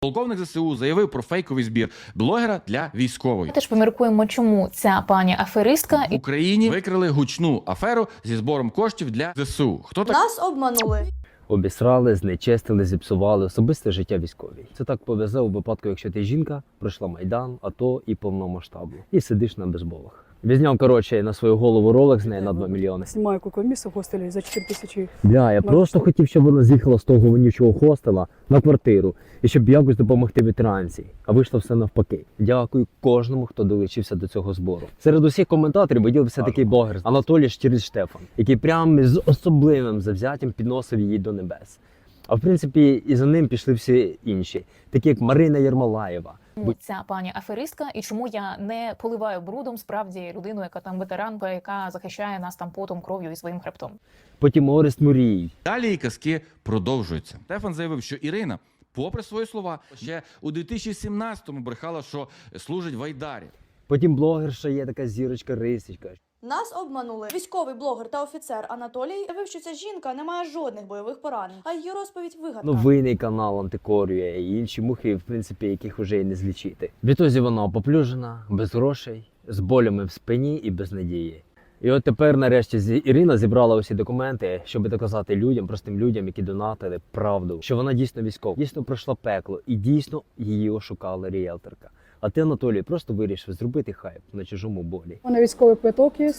Полковник ЗСУ заявив про фейковий збір блогера для військової. Ми теж поміркуємо, чому ця пані аферистка В Україні викрили гучну аферу зі збором коштів для ЗСУ. Хто так? Нас обманули. Обісрали, знечестили, зіпсували особисте життя військовій. Це так повезе у випадку, якщо ти жінка, пройшла Майдан, АТО і повномасштабну. І сидиш на безболах. Візняв, коротше, на свою голову ролик з неї на 2 мільйони. Знімаю кукомісу в хостелі за 4 тисячі. Бля, я просто хотів, щоб вона з'їхала з того вонючого хостела на квартиру. І щоб якось допомогти ветеранці. А вийшло все навпаки. Дякую кожному, хто долучився до цього збору. Серед усіх коментаторів виділився такий блогер Анатолій Штірліц-Штефан, який прямо з особливим завзяттям підносив її до небес. А в принципі, і за ним пішли всі інші, такі як Марина Єрмолаєва. ця пані аферистка, і чому я не поливаю брудом справді людину, яка там ветеранка, яка захищає нас там потом, кров'ю і своїм хребтом. Потім Орест Мурій. Далі її казки продовжуються. Штефан заявив, що Ірина, попри свої слова, ще у 2017-му брехала, що служить в Айдарі. Потім блогерша є така зірочка Рисічка. Нас обманули. Військовий блогер та офіцер Анатолій заявив, що ця жінка не має жодних бойових поранень, а її розповідь вигадка. Новинний канал антикорює і інші мухи, в принципі, яких уже і не злічити. Відтоді вона поплюжена, без грошей, з болями в спині і без надії. І от тепер, нарешті, Ірина зібрала усі документи, щоб доказати людям, простим людям, які донатили, правду, що вона дійсно військова, дійсно пройшла пекло і дійсно її ошукала ріелторка. А ти, Анатолій, просто вирішив зробити хайп на чужому болі. У мене військовий квиток є.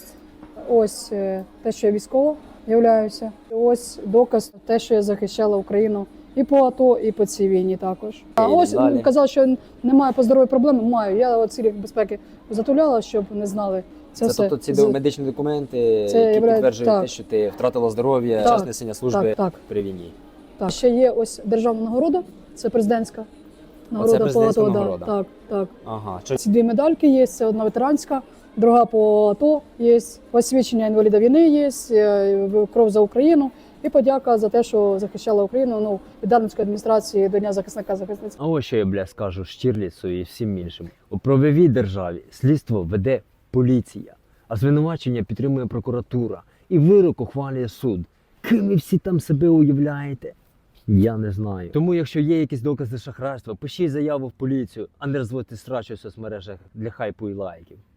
Ось те, що я військова являюся. Ось доказ те, що я захищала Україну і по АТО, і по цій війні також. А ось далі. казав, що немає по здоров'ю проблеми. Маю. Я цілі безпеки затуляла, щоб не знали. Це все. Тобто ці медичні документи, Це які являє- підтверджують так. те, що ти втратила здоров'я, Так. час несення служби Так. при війні. Так. Ще є ось державна нагорода, це президентська нагорода по президентська АТО. да. нагорода? Так, так. Ага. Що Ці 2 медальки є, це одна ветеранська, друга по АТО є, посвідчення інваліда війни є, кров за Україну і подяка за те, що захищала Україну, від Дарницької адміністрації до Дня захисника-захисниць. А ось що я, бля, скажу Штірліцу і всім іншим. У правовій державі слідство веде поліція, а звинувачення підтримує прокуратура і вирок ухвалює суд. Ким ви всі там себе уявляєте? Я не знаю. Тому, якщо є якісь докази шахрайства, пишіть заяву в поліцію, а не розводьте срач у соцмережах для хайпу і лайків.